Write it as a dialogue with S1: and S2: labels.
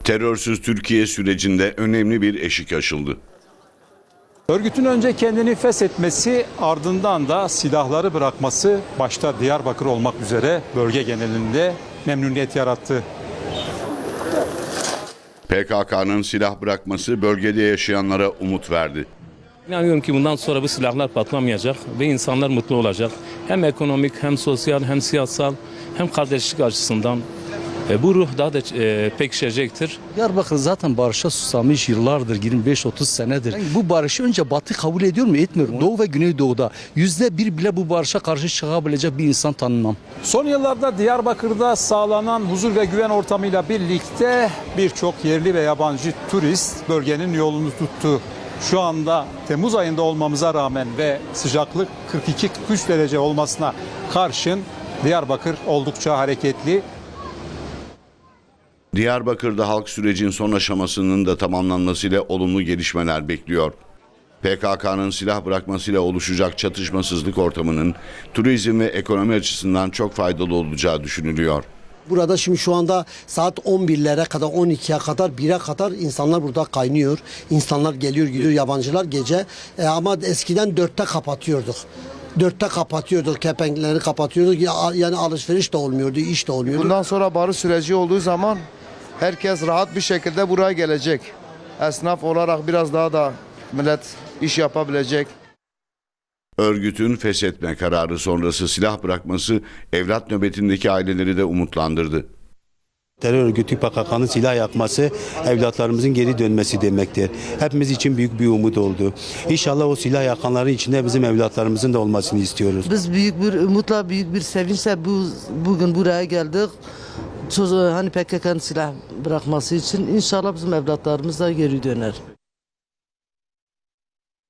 S1: Terörsüz Türkiye sürecinde önemli bir eşik aşıldı.
S2: Örgütün önce kendini feshetmesi, ardından da silahları bırakması başta Diyarbakır olmak üzere bölge genelinde memnuniyet yarattı.
S1: PKK'nın silah bırakması bölgede yaşayanlara umut verdi.
S3: İnanıyorum ki bundan sonra bu silahlar patlamayacak ve insanlar mutlu olacak. Hem ekonomik, hem sosyal, hem siyasal, hem kardeşlik açısından. Bu ruh daha da pekişecektir.
S4: Diyarbakır zaten barışa susamış yıllardır, 25-30 senedir. Yani bu barışı önce Batı kabul ediyor mu? Etmiyor mu? Doğu ve Güneydoğu'da %1 bile bu barışa karşı çıkabilecek bir insan tanımam.
S2: Son yıllarda Diyarbakır'da sağlanan huzur ve güven ortamıyla birlikte birçok yerli ve yabancı turist bölgenin yolunu tuttu. Şu anda Temmuz ayında olmamıza rağmen ve sıcaklık 42-43 derece olmasına karşın Diyarbakır oldukça hareketli.
S1: Diyarbakır'da halk sürecin son aşamasının da tamamlanmasıyla olumlu gelişmeler bekliyor. PKK'nın silah bırakmasıyla oluşacak çatışmasızlık ortamının turizm ve ekonomi açısından çok faydalı olacağı düşünülüyor.
S5: Burada şimdi şu anda saat 11'lere kadar, 12'ye kadar, 1'e kadar insanlar burada kaynıyor. İnsanlar geliyor gidiyor, yabancılar gece. Ama eskiden 4'te kapatıyorduk. 4'te kapatıyorduk, kepenkleri kapatıyorduk. Yani alışveriş de olmuyordu, iş de olmuyordu.
S6: Bundan sonra barış süreci olduğu zaman herkes rahat bir şekilde buraya gelecek. Esnaf olarak biraz daha da millet iş yapabilecek.
S1: Örgütün feshetme kararı sonrası silah bırakması evlat nöbetindeki aileleri de umutlandırdı.
S7: Terör örgütü PKK'nın silah yakması evlatlarımızın geri dönmesi demektir. Hepimiz için büyük bir umut oldu. İnşallah o silah yakanların içinde bizim evlatlarımızın da olmasını istiyoruz.
S8: Biz büyük bir umutla, büyük bir sevinçle bugün buraya geldik. Hani PKK'nın silah bırakması için inşallah bizim evlatlarımız da geri döner.